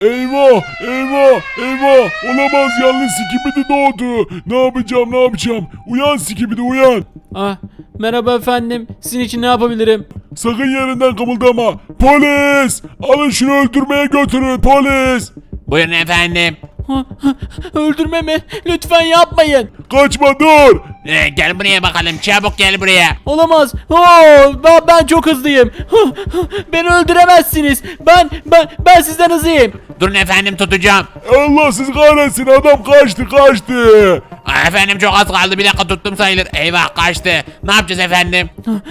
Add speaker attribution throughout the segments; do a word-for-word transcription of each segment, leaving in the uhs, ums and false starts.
Speaker 1: Eyvah eyvah eyvah olamaz yalnız Skibidi doğdu. Ne yapacağım ne yapacağım? Uyan Skibidi uyan.
Speaker 2: Ah, merhaba efendim. Sizin için ne yapabilirim?
Speaker 1: Sakın yerinden kımıldama. Polis! Alın şunu öldürmeye götürün polis.
Speaker 3: Buyurun efendim.
Speaker 2: Ha, ha, Öldürme mi? Lütfen yapmayın.
Speaker 1: Kaçma dur.
Speaker 3: Ee, gel buraya bakalım, çabuk gel buraya.
Speaker 2: Olamaz. Oo, ben, ben çok hızlıyım. Ha, ha, Beni öldüremezsiniz. Ben ben ben sizden hızlıyım.
Speaker 3: Durun efendim, tutacağım.
Speaker 1: Allah siz kahretsin adam kaçtı kaçtı.
Speaker 3: Aa, efendim çok az kaldı, bir dakika tuttum sayılır. Eyvah, kaçtı. Ne yapacağız efendim?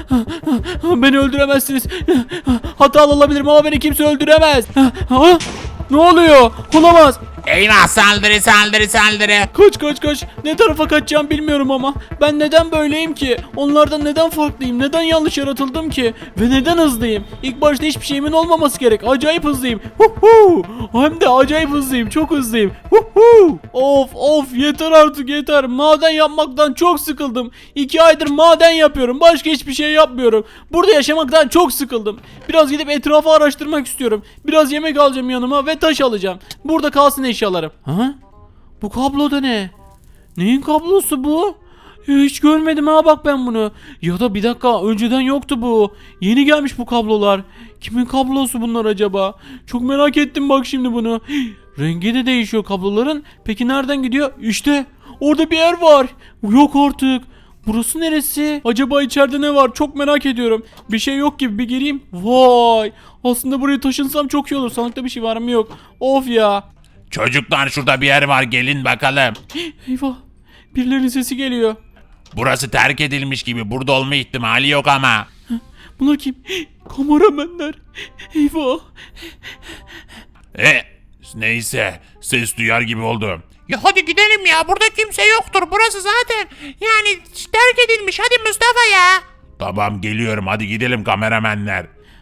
Speaker 2: Beni öldüremezsiniz. Hatalı olabilirim ama beni kimse öldüremez. Ha, Ne oluyor? Olamaz.
Speaker 3: Eyvah, saldırı saldırı saldırı.
Speaker 2: Kaç kaç kaç. Ne tarafa kaçacağım bilmiyorum ama. Ben neden böyleyim ki? Onlardan neden farklıyım? Neden yanlış yaratıldım ki? Ve neden hızlıyım? İlk başta hiçbir şeyimin olmaması gerek. Acayip hızlıyım. Huhu. Hem de acayip hızlıyım. Çok hızlıyım. Huhu. Of of yeter artık yeter. Maden yapmaktan çok sıkıldım. İki aydır maden yapıyorum. Başka hiçbir şey yapmıyorum. Burada yaşamaktan çok sıkıldım. Biraz gidip etrafı araştırmak istiyorum. Biraz yemek alacağım yanıma ve taş alacağım. Burada kalsın eşyalarım. Ha? Bu kablo da ne? Neyin kablosu bu? Hiç görmedim ha bak ben bunu. Ya da bir dakika önceden yoktu bu. Yeni gelmiş bu kablolar. Kimin kablosu bunlar acaba? Çok merak ettim bak şimdi bunu. Rengi de değişiyor kabloların. Peki nereden gidiyor? İşte orada bir yer var. Yok artık. Burası neresi? Acaba içeride ne var? Çok merak ediyorum. Bir şey yok gibi bir gireyim. Vay. Aslında buraya taşınsam çok iyi olur. Sandıkta bir şey var mı yok. Of ya.
Speaker 3: Çocuklar, şurada bir yer var, gelin bakalım.
Speaker 2: Eyvah. Birilerinin sesi geliyor.
Speaker 3: Burası terk edilmiş gibi, burada olma ihtimali yok ama.
Speaker 2: Bunlar kim? Kameramenler. Eyvah.
Speaker 3: E, neyse, ses duyar gibi oldum. Ya hadi gidelim ya, burada kimse yoktur, burası zaten yani terk edilmiş. Hadi Mustafa ya. Tamam, geliyorum, hadi gidelim kameramenler.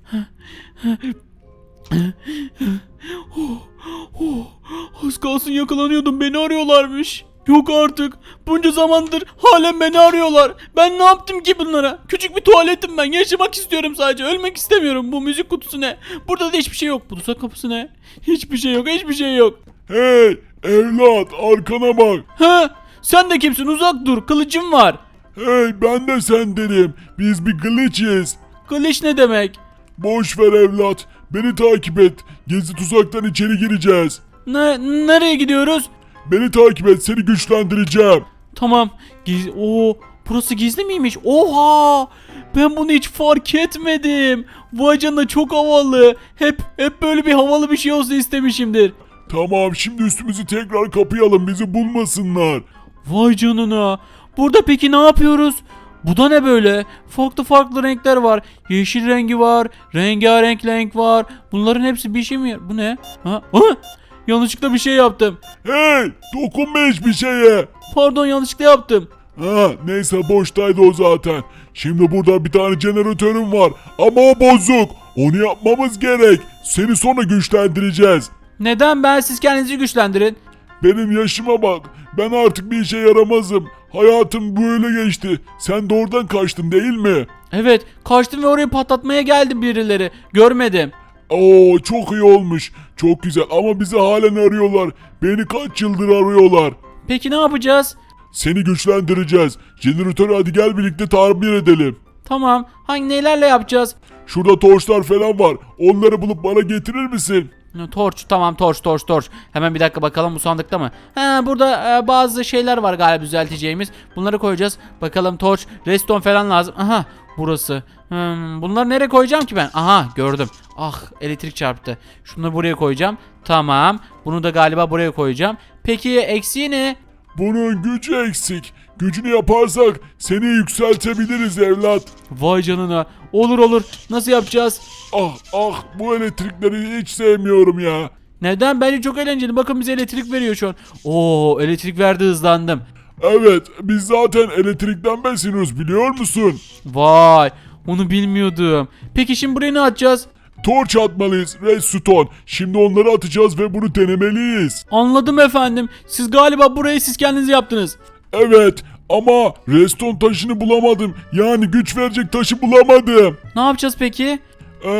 Speaker 2: Oh, az kalsın yakalanıyordum. Beni arıyorlarmış. Yok artık. Bunca zamandır halen beni arıyorlar. Ben ne yaptım ki bunlara? Küçük bir tuvaletim ben. Yaşamak istiyorum sadece. Ölmek istemiyorum. Bu müzik kutusu ne? Burada da hiçbir şey yok. Bu tuzak kapısı ne? Hiçbir şey yok. Hiçbir şey yok.
Speaker 1: Hey evlat arkana bak.
Speaker 2: Ha? Sen de kimsin? Uzak dur. Kılıcım var.
Speaker 1: Hey ben de sendenim. Biz bir glitchiz.
Speaker 2: Kılıç ne demek?
Speaker 1: Boş ver evlat. Beni takip et. Gizli tuzaktan içeri gireceğiz.
Speaker 2: Ne, nereye gidiyoruz?
Speaker 1: Beni takip et seni güçlendireceğim.
Speaker 2: Tamam. Giz Oo, burası gizli miymiş? Oha! Ben bunu hiç fark etmedim. Vay canına çok havalı. Hep hep böyle bir havalı bir şey olsun istemişimdir.
Speaker 1: Tamam şimdi üstümüzü tekrar kapayalım bizi bulmasınlar.
Speaker 2: Vay canına. Burada peki ne yapıyoruz? Bu da ne böyle? Farklı farklı renkler var. Yeşil rengi var. Rengarenk renk var. Bunların hepsi bir şey mi? Bu ne? Ha? Ha? Yanlışlıkla bir şey yaptım.
Speaker 1: Hey dokunma hiçbir şeye.
Speaker 2: Pardon yanlışlıkla yaptım.
Speaker 1: Ha neyse boştaydı o zaten. Şimdi burada bir tane jeneratörüm var ama o bozuk. Onu yapmamız gerek. Seni sonra güçlendireceğiz.
Speaker 2: Neden ben siz kendinizi güçlendirin?
Speaker 1: Benim yaşıma bak. Ben artık bir işe yaramazım. Hayatım böyle geçti. Sen de oradan kaçtın değil mi?
Speaker 2: Evet kaçtım ve orayı patlatmaya geldi birileri. Görmedim.
Speaker 1: Oo çok iyi olmuş. Çok güzel ama bizi halen arıyorlar. Beni kaç yıldır arıyorlar.
Speaker 2: Peki ne yapacağız?
Speaker 1: Seni güçlendireceğiz. Jeneratörü hadi gel birlikte tamir edelim.
Speaker 2: Tamam. Hangi nelerle yapacağız?
Speaker 1: Şurada torçlar falan var. Onları bulup bana getirir misin?
Speaker 2: Torç tamam torç torç torç. Hemen bir dakika bakalım bu sandıkta mı? Ha burada e, bazı şeyler var galiba düzelteceğimiz. Bunları koyacağız. Bakalım torç, redstone falan lazım. Aha burası. Hmm, bunları nereye koyacağım ki ben? Aha gördüm. Ah elektrik çarptı. Şunu buraya koyacağım. Tamam. Bunu da galiba buraya koyacağım. Peki eksiği ne?
Speaker 1: Bunun gücü eksik. Gücünü yaparsak seni yükseltebiliriz evlat.
Speaker 2: Vay canına. Olur olur. Nasıl yapacağız?
Speaker 1: Ah ah bu elektrikleri hiç sevmiyorum ya.
Speaker 2: Neden? Bence çok eğlenceli. Bakın bize elektrik veriyor şu an. Oo elektrik verdi hızlandım.
Speaker 1: Evet biz zaten elektrikten besleniyoruz biliyor musun?
Speaker 2: Vay onu bilmiyordum. Peki şimdi buraya ne atacağız?
Speaker 1: Torç atmalıyız redstone. Şimdi onları atacağız ve bunu denemeliyiz.
Speaker 2: Anladım efendim. Siz galiba burayı siz kendiniz yaptınız.
Speaker 1: Evet ama redstone taşını bulamadım. Yani güç verecek taşı bulamadım.
Speaker 2: Ne yapacağız peki?
Speaker 1: Eh,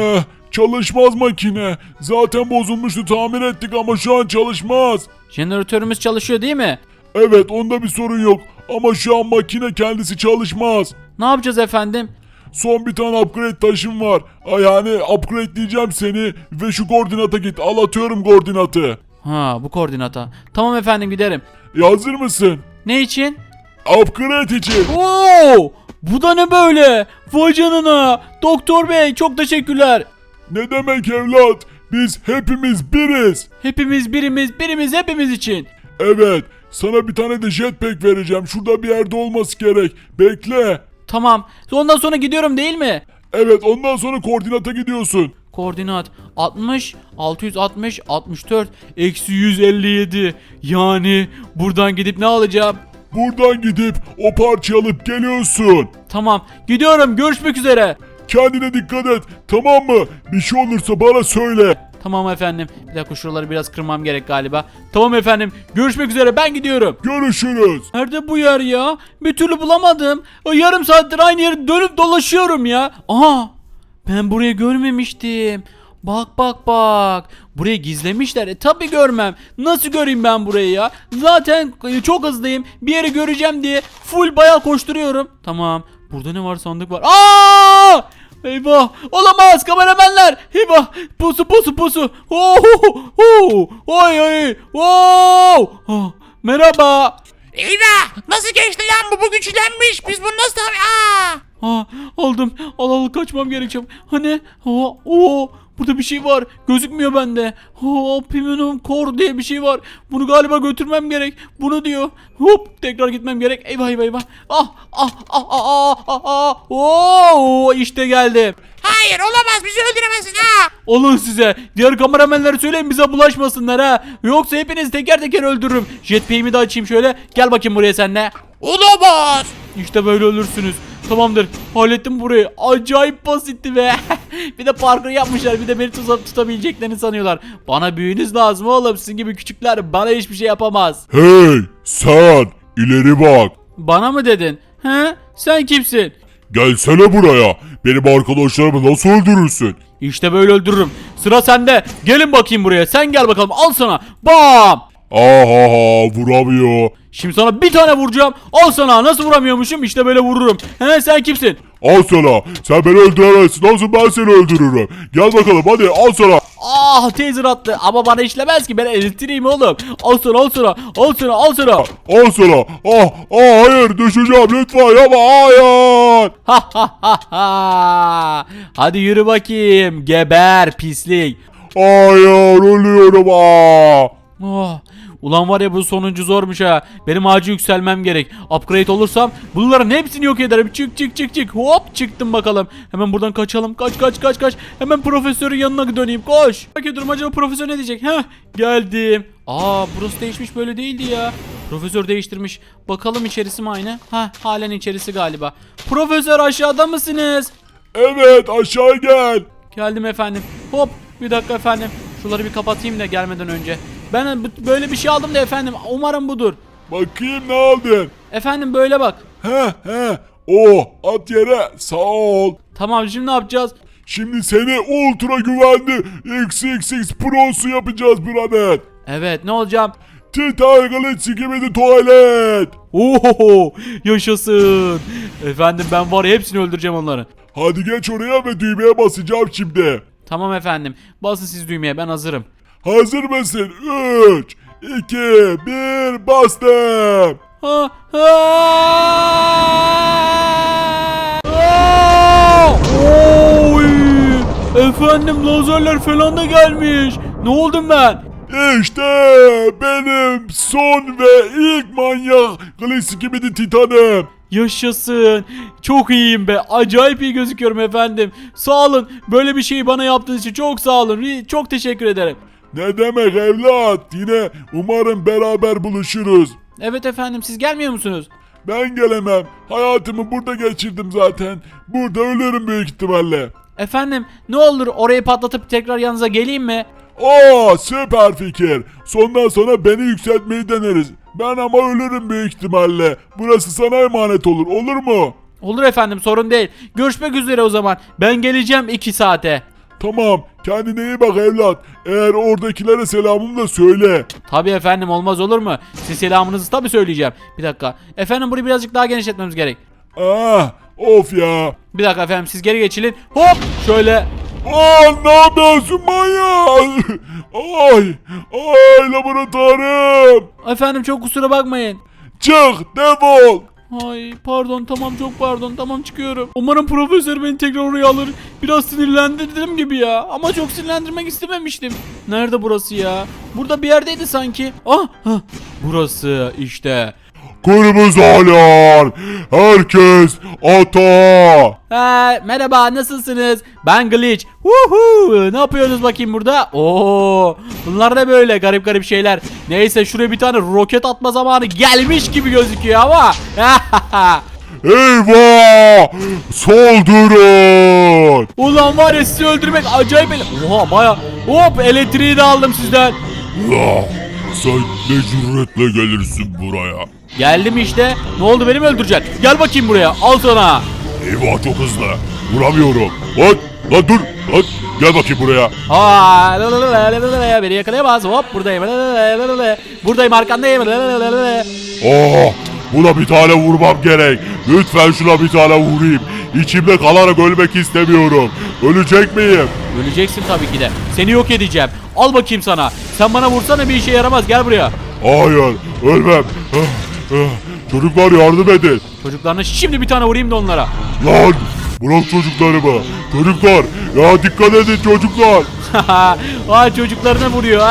Speaker 1: Çalışmaz makine. Zaten bozulmuştu, tamir ettik ama şu an çalışmaz.
Speaker 2: Jeneratörümüz çalışıyor değil mi?
Speaker 1: Evet, onda bir sorun yok ama şu an makine kendisi çalışmaz.
Speaker 2: Ne yapacağız efendim?
Speaker 1: Son bir tane upgrade taşım var. Ay, Yani upgrade diyeceğim seni ve şu koordinata git. Al, atıyorum koordinatı.
Speaker 2: Ha, bu koordinata. Tamam efendim, giderim.
Speaker 1: E, hazır mısın?
Speaker 2: Ne için?
Speaker 1: Upgrade için.
Speaker 2: Oo! Bu da ne böyle? Vay canına. Doktor bey, çok teşekkürler.
Speaker 1: Ne demek evlat? Biz hepimiz biriz.
Speaker 2: Hepimiz birimiz, birimiz hepimiz için.
Speaker 1: Evet, sana bir tane de jetpack vereceğim. Şurada bir yerde olması gerek. Bekle.
Speaker 2: Tamam. Ondan sonra gidiyorum değil mi?
Speaker 1: Evet, ondan sonra koordinata gidiyorsun.
Speaker 2: Koordinat altmış, altı yüz altmış, altmış dört, eksi yüz elli yedi. Yani buradan gidip ne alacağım?
Speaker 1: Buradan gidip o parçayı alıp geliyorsun.
Speaker 2: Tamam, gidiyorum, görüşmek üzere.
Speaker 1: Kendine dikkat et, tamam mı? Bir şey olursa bana söyle.
Speaker 2: Tamam efendim. Bir dakika, şuraları biraz kırmam gerek galiba. Tamam efendim, görüşmek üzere, ben gidiyorum.
Speaker 1: Görüşürüz.
Speaker 2: Nerede bu yer ya? Bir türlü bulamadım. Yarım saattir aynı yeri dönüp dolaşıyorum ya. Aha! Ben burayı görmemiştim. Bak bak bak. Burayı gizlemişler. E tabi görmem. Nasıl göreyim ben burayı ya? Zaten e, çok hızlıyım. Bir yeri göreceğim diye full bayağı koşturuyorum. Tamam. Burada ne var? Sandık var. Aa! Eyvah! Olamaz kameramenler! Eyvah! Pusu pusu pusu! Oh! Oh! Oy oy! Oh! Oh! Merhaba!
Speaker 3: Eyvah! Nasıl geçti lan bu? Bu güçlenmiş. Biz bunu nasıl tabi... Aa!
Speaker 2: Ha, aldım. Al al, kaçmam gerekecek. Hani? Ha, o burada bir şey var. Gözükmüyor bende. Ha, Optimum Core diye bir şey var. Bunu galiba götürmem gerek. Bunu diyor. Hop, tekrar gitmem gerek. Eyvah eyvah eyvah. Ah ah ah ah ah ah. Oo, işte geldim.
Speaker 3: Hayır olamaz. Bizi öldüremezsin ha.
Speaker 2: Olun size. Diğer kameramenlere söyleyin bize bulaşmasınlar ha. Yoksa hepinizi teker teker öldürürüm. Jetpack'imi de açayım şöyle. Gel bakayım buraya sen de.
Speaker 3: Olamaz.
Speaker 2: İşte böyle ölürsünüz. Tamamdır. Hallettim burayı. Acayip basitti be. Bir de parkur yapmışlar. Bir de beni tutup tutabileceklerini sanıyorlar. Bana büyünüz lazım oğlum. Sizin gibi küçükler bana hiçbir şey yapamaz.
Speaker 1: Hey, sen ileri bak.
Speaker 2: Bana mı dedin? He? Sen kimsin?
Speaker 1: Gelsene buraya. Benim arkadaşlarımı nasıl öldürürsün?
Speaker 2: İşte böyle öldürürüm. Sıra sende. Gelin bakayım buraya. Sen gel bakalım. Al sana. Bam!
Speaker 1: Aha, vuramıyor.
Speaker 2: Şimdi sana bir tane vuracağım. Al sana. Nasıl vuramıyormuşum? İşte böyle vururum. He, sen kimsin?
Speaker 1: Al sana. Sen beni öldüremezsin. Nasıl ben seni öldürürüm? Gel bakalım hadi, al sana.
Speaker 2: Ah, taser attı ama bana işlemez ki, ben elektriğim oğlum. Al sana, al sana, al sana, al sana.
Speaker 1: Al sana. Ah, ah hayır, düşeceğim lütfen yapma, hayır.
Speaker 2: Ha ha ha ha. Hadi yürü bakayım, geber pislik.
Speaker 1: Hayır, ölüyorum ah.
Speaker 2: Oh. Ulan var ya, bu sonuncu zormuş ha. Benim acil yükselmem gerek. Upgrade olursam bunların hepsini yok ederim. Çık çık çık çık. Hop, çıktım bakalım. Hemen buradan kaçalım. Kaç kaç kaç kaç. Hemen profesörün yanına döneyim. Koş. Bakıyorum acaba profesör ne diyecek? Heh, geldim. Aa, burası değişmiş, böyle değildi ya. Profesör değiştirmiş. Bakalım içerisi mi aynı? Ha, halen içerisi galiba. Profesör, aşağıda mısınız?
Speaker 1: Evet, aşağı gel.
Speaker 2: Geldim efendim. Hop, bir dakika efendim. Şuları bir kapatayım da gelmeden önce. Ben böyle bir şey aldım da efendim. Umarım budur.
Speaker 1: Bakayım ne aldın?
Speaker 2: Efendim böyle bak.
Speaker 1: He he. O at yere, sağ ol.
Speaker 2: Tamam, şimdi ne yapacağız?
Speaker 1: Şimdi seni ultra güvenli X X X Pro'su yapacağız birader.
Speaker 2: Evet, ne olacağım?
Speaker 1: Titan Galaxy gibi de tuvalet.
Speaker 2: Oho, yaşasın. Efendim ben var ya, hepsini öldüreceğim onları.
Speaker 1: Hadi geç oraya ve düğmeye basacağım şimdi.
Speaker 2: Tamam efendim. Basın siz düğmeye, ben hazırım.
Speaker 1: Hazır mısın? üç, iki, bir, bastım.
Speaker 2: Ha, ha! Aa! Oy! Efendim lazerler falan da gelmiş. Ne oldum ben?
Speaker 1: İşte benim son ve ilk manyak klasik gibi de Titan'ım.
Speaker 2: Yaşasın. Çok iyiyim be. Acayip iyi gözüküyorum efendim. Sağ olun. Böyle bir şeyi bana yaptığınız için çok sağ olun. Çok teşekkür ederim.
Speaker 1: Ne demek evlat? Yine umarım beraber buluşuruz.
Speaker 2: Evet efendim, siz gelmiyor musunuz?
Speaker 1: Ben gelemem. Hayatımı burada geçirdim zaten. Burada ölürüm büyük ihtimalle.
Speaker 2: Efendim ne olur orayı patlatıp tekrar yanınıza geleyim mi?
Speaker 1: Aa, süper fikir. Sondan sonra beni yükseltmeyi deneriz. Ben ama ölürüm büyük ihtimalle. Burası sana emanet olur. Olur mu?
Speaker 2: Olur efendim, sorun değil. Görüşmek üzere o zaman. Ben geleceğim iki saate.
Speaker 1: Tamam, kendine iyi bak evlat. Eğer oradakilere selamımı da söyle.
Speaker 2: Tabii efendim, olmaz olur mu? Siz selamınızı tabii söyleyeceğim. Bir dakika. Efendim burayı birazcık daha genişletmemiz gerek.
Speaker 1: Ah, of ya.
Speaker 2: Bir dakika efendim, siz geri geçilin. Hop şöyle.
Speaker 1: Aa, ne yapıyorsun manyak? Ay, ay laboratuvarım.
Speaker 2: Efendim çok kusura bakmayın.
Speaker 1: Çık, defol.
Speaker 2: Ay pardon, tamam, çok pardon, tamam çıkıyorum. Umarım profesör beni tekrar oraya alır. Biraz sinirlendirdim gibi ya, ama çok sinirlendirmek istememiştim. Nerede burası ya? Burada bir yerdeydi sanki. Ah, hah, burası işte.
Speaker 1: Kırmızı alarm. Herkes ata.
Speaker 2: Ha, merhaba, nasılsınız? Ben Glitch. Woohoo! Ne yapıyorsunuz bakayım burada? Oo! Bunlar ne böyle garip garip şeyler? Neyse, şuraya bir tane roket atma zamanı gelmiş gibi gözüküyor ama.
Speaker 1: Eyvah! Saldırın!
Speaker 2: Ulan var ya, sizi öldürmek acayip ele... Oha baya... Hop, elektriği de aldım sizden.
Speaker 1: Ya, sen ne cüretle gelirsin buraya?
Speaker 2: Geldim işte. Ne oldu, beni mi öldüreceksin? Gel bakayım buraya, al sana.
Speaker 1: Eyvah, çok hızlı. Vuramıyorum. Lan, lan dur. Lan, gel bakayım buraya.
Speaker 2: Aa, la la la la la la, beni yakalayamaz. Hop, buradayım. La la la la la. Buradayım, arkandayım. La la la la la.
Speaker 1: Oh, buna bir tane vurmam gerek. Lütfen şuna bir tane vurayım. İçimde kalarak ölmek istemiyorum. Ölecek miyim?
Speaker 2: Öleceksin tabii ki de. Seni yok edeceğim. Al bakayım sana. Sen bana vursana, bir işe yaramaz. Gel buraya.
Speaker 1: Hayır, ölmem. Ah, ah. Çocuklar yardım edin.
Speaker 2: Çocuklarına şimdi bir tane vurayım da onlara.
Speaker 1: Lan, bırak çocuklarımı. Çocuklar, ya dikkat edin çocuklar.
Speaker 2: Ay, çocuklarına vuruyor.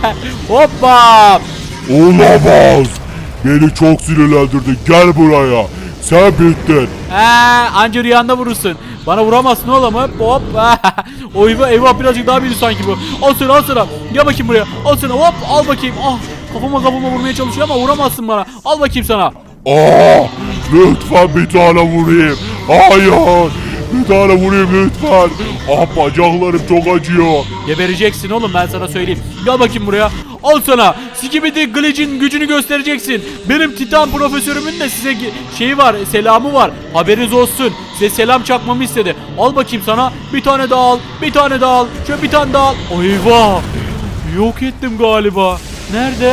Speaker 2: Hoppa.
Speaker 1: Olamaz. Beni çok sinirlendirdin. Gel buraya. Sen bittin.
Speaker 2: Ee, anca rüyanda vurursun. Bana vuramazsın oğlum, hop hop. O eyvah, eyvah, birazcık daha büyüdü sanki bu. Al sana, al sana. Gel bakayım buraya. Al sana, hop, al bakayım. Ah, kafama kafama vurmaya çalışıyor ama vuramazsın bana. Al bakayım sana.
Speaker 1: Aa, lütfen bir tane vurayım. Hayır. Bir tane vurayım lütfen. Ah, bacaklarım çok acıyor.
Speaker 2: Gebereceksin oğlum, ben sana söyleyeyim. Gel bakayım buraya. Al sana. Skibidi Glitch'in gücünü göstereceksin. Benim Titan profesörümün de size şeyi var, selamı var. Haberiniz olsun. Size selam çakmamı istedi. Al bakayım sana. Bir tane daha al. Bir tane daha al. Şöyle bir tane daha al. Eyvah. Yok ettim galiba. Nerede?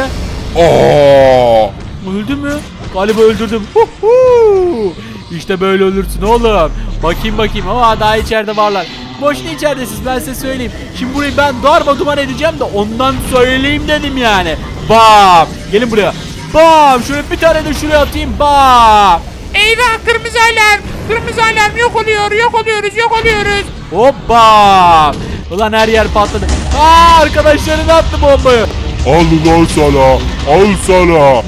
Speaker 1: Aa,
Speaker 2: Öldü mü? Galiba öldürdüm. Huhu. İşte böyle ölürsün oğlum. Bakayım bakayım. Ama daha içeride varlar. Boşuna içeridesiniz, ben size söyleyeyim. Şimdi burayı ben darma duman edeceğim de ondan söyleyeyim dedim yani. Bam. Gelin buraya. Bam. Şöyle bir tane de şuraya atayım. Bam.
Speaker 3: Eyvah, kırmızı alarm. Kırmızı alarm, yok oluyor, yok oluyoruz, yok oluyoruz.
Speaker 2: Hoppa. Ulan her yer patladı. Aa, arkadaşlarına attı bombayı.
Speaker 1: al lan sana. Al sana.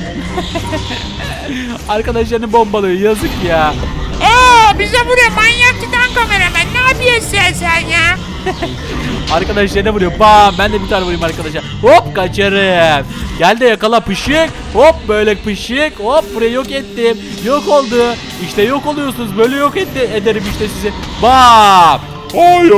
Speaker 2: Arkadaşlarını bombalıyor, yazık ya.
Speaker 3: Aa, bize vuruyor manyak Titan kameraman. Ne yapıyorsun sen, sen ya?
Speaker 2: Arkadaşlarına vuruyor. Bam, ben de bir tane vurayım arkadaşlar. Hop, kaçarım. Gel de yakala pışık. Hop, böyle pışık. Hop, burayı yok ettim. Yok oldu. İşte yok oluyorsunuz. Böyle yok etti, ederim işte sizi. Bam.
Speaker 1: Hayır.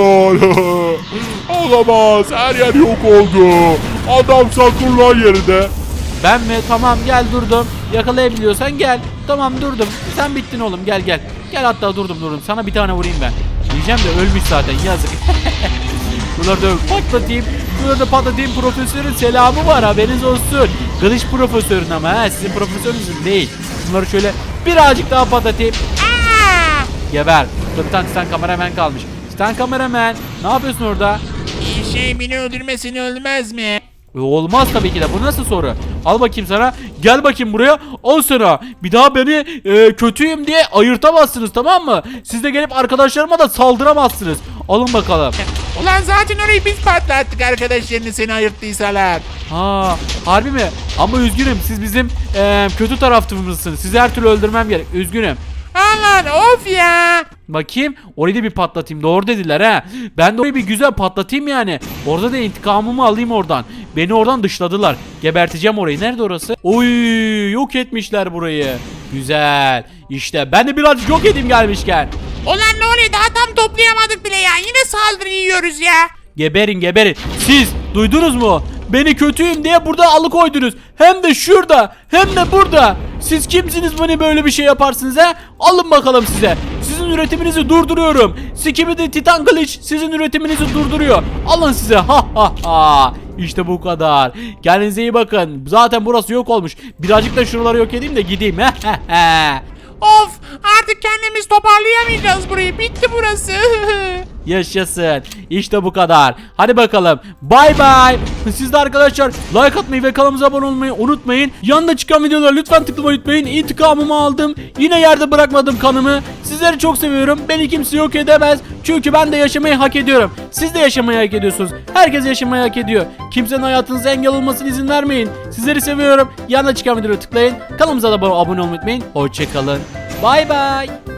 Speaker 1: Olamaz. Her yer yok oldu. Adam sakın yerinde.
Speaker 2: Ben mi? Tamam, gel durdum. Yakalayabiliyorsan gel. Tamam, durdum. Sen bittin oğlum, gel gel. Gel, hatta durdum durdum. Sana bir tane vurayım ben. Diyeceğim de ölmüş zaten, yazık. Şuraları da patlatayım. Şuraları da patlatayım. Profesörün selamı var, haberiniz olsun. Glitch profesörün ama ha, sizin profesörünüzün değil. Bunları şöyle birazcık daha patlatayım.
Speaker 3: Aa,
Speaker 2: Geber. Burada bir tane Titan kameraman kalmış. Titan kameraman, ne yapıyorsun orada?
Speaker 3: iyi şey, beni öldürmesini ölmez mi?
Speaker 2: E, olmaz tabii ki de. Bu nasıl soru? Al bakayım sana. Gel bakayım buraya. Al sana. Bir daha beni e, kötüyüm diye ayırtamazsınız, tamam mı? Siz de gelip arkadaşlarıma da saldıramazsınız. Alın bakalım.
Speaker 3: Ulan zaten orayı biz patlattık, arkadaşlarını seni ayırttıysalar.
Speaker 2: Ha, harbi mi? Ama üzgünüm. Siz bizim e, kötü tarafımızsınız. Sizi her türlü öldürmem gerek. Üzgünüm.
Speaker 3: Allah, of ya.
Speaker 2: Bakayım, orayı da bir patlatayım. Doğru dediler ha. Ben de orayı bir güzel patlatayım yani. Orada da intikamımı alayım oradan. Beni oradan dışladılar. Geberteceğim orayı. Nerede orası? Oy, yok etmişler burayı. Güzel. İşte ben de birazcık yok edeyim gelmişken.
Speaker 3: Ulan ne oluyor, daha tam toplayamadık bile ya. Yine saldırı yiyoruz ya.
Speaker 2: Geberin geberin. Siz duydunuz mu? Beni kötüyüm diye burada alıkoydunuz. Hem de şurada, hem de burada. Siz kimsiniz beni böyle bir şey yaparsınız ha? Alın bakalım size. Sizin üretiminizi durduruyorum. Skibidi Titan Glitch sizin üretiminizi durduruyor. Alın size. Ha ha ha. İşte bu kadar. Kendinize iyi bakın. Zaten burası yok olmuş. Birazcık da şuraları yok edeyim de gideyim.
Speaker 3: Of, artık kendimiz toparlayamayacağız burayı. Bitti burası.
Speaker 2: Yaşasın. İşte bu kadar. Hadi bakalım. Bay bay. Siz de arkadaşlar like atmayı ve kanalımıza abone olmayı unutmayın. Yanında çıkan videoları lütfen tıklamayı unutmayın. İntikamımı aldım. Yine yerde bırakmadım kanımı. Sizleri çok seviyorum. Beni kimse yok edemez. Çünkü ben de yaşamayı hak ediyorum. Siz de yaşamayı hak ediyorsunuz. Herkes yaşamayı hak ediyor. Kimsenin hayatınıza engel olmasına izin vermeyin. Sizleri seviyorum. Yanında çıkan videoları tıklayın. Kanalımıza da abone olmayı unutmayın. Hoşçakalın. Bay bay.